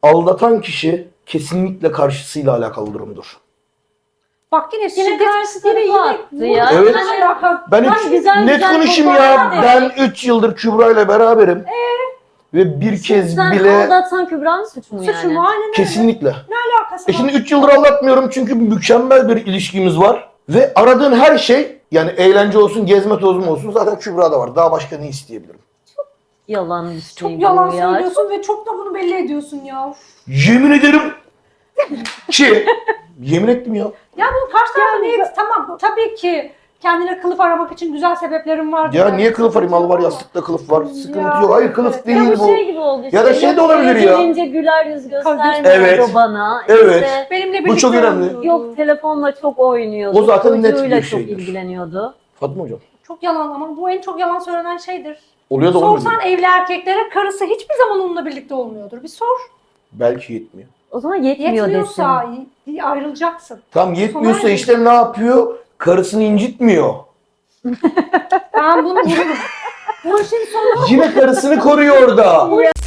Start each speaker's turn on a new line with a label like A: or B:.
A: aldatan kişi kesinlikle karşısıyla alakalı durumdur.
B: Bak yine
C: Yine karşı tarafı attı ya.
A: Evet. Ben
C: Tam güzel
A: net
C: güzel
A: konuşayım ya.
C: toparlar
A: Ben 3 yıldır Kübra ile beraberim. Ve bir kez
C: Sen
A: bile
C: aldatan Kübra'nın suçu mu yani?
B: Suçum aynen öyle.
A: kesinlikle.
B: Ne alakası var?
A: Şimdi 3 yıldır aldatmıyorum çünkü mükemmel bir ilişkimiz var. Ve aradığın her şey, yani eğlence olsun, gezme tozum olsun, zaten Kübra'da var. Daha başka ne isteyebilirim?
C: Yalan bir şey
B: Çok yalan
C: bu ya.
B: söylüyorsun ve çok da bunu belli ediyorsun ya. Uf.
A: Yemin ederim ki yemin ettim ya.
B: Ya bu karşı tarafa niye? Tamam tabii ki kendine kılıf aramak için güzel sebeplerim var.
A: Ya niye kılıf arayayım? Al var, yastıkta kılıf var. Sıkıntı
B: Ya,
A: yok. Hayır, kılıf
B: evet.
A: değil
C: Ya bu
A: bu.
C: şey gibi oldu işte.
A: Ya da şey de
C: Yok,
A: olabilir ya.
C: gelince güler yüz göstermiyordu
A: Evet.
C: bana.
A: Evet.
C: İşte,
B: Benimle birlikte
A: Bu çok önemli.
B: oynuyordu.
C: yok telefonla çok oynuyordu.
A: O zaten net
C: Çocuğuyla
A: bir
C: çok
A: şeydir.
C: ilgileniyordu.
A: Fatma hocam.
B: Çok yalan ama bu en çok yalan söylenen şeydir.
A: Oluyor da olmuyor.
B: Sorsan evli erkeklere karısı hiçbir zaman onunla birlikte olmuyordur. Bir sor.
A: Belki yetmiyor.
C: O zaman yetmiyor desin.
B: Yetmiyorsa ayrılacaksın.
A: Tam yetmiyorsa
B: Sonra-
A: işte ne yapıyor? Karısını incitmiyor.
B: Ben bunu vururum. Bu işin sonu
A: Yine karısını koruyor orada.